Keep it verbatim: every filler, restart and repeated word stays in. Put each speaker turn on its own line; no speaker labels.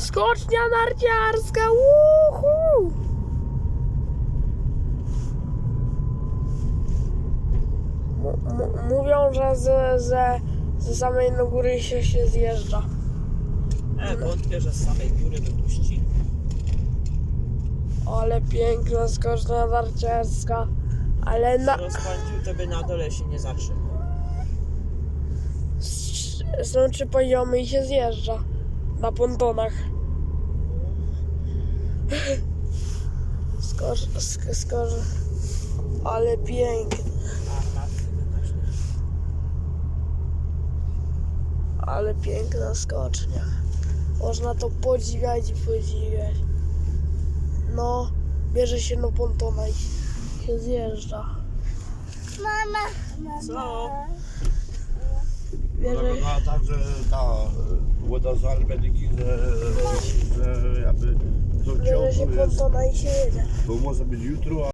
Skocznia narciarska, uhu! M- m- mówią, że ze, ze, ze samej no góry się, się zjeżdża.
E, wątpię, że z samej góry wypuści.
Ale piękna skocznia narciarska. Ale na...
Rozpędził, to by na dole się nie zatrzymał.
Są trzy poziomy i się zjeżdża. Na pontonach. Skocz... sk- skocz... Ale pięknie. Ale piękna skocznia. Można to podziwiać i podziwiać. No, bierze się na pontona i się zjeżdża.
Mama, mama.
Co?
Bierze...
Wygląda tak, że ta woda z Almedyki, że, że jakby do
Bierze się
ciągu jest,
pontona i się jedzie.
bo może być jutro,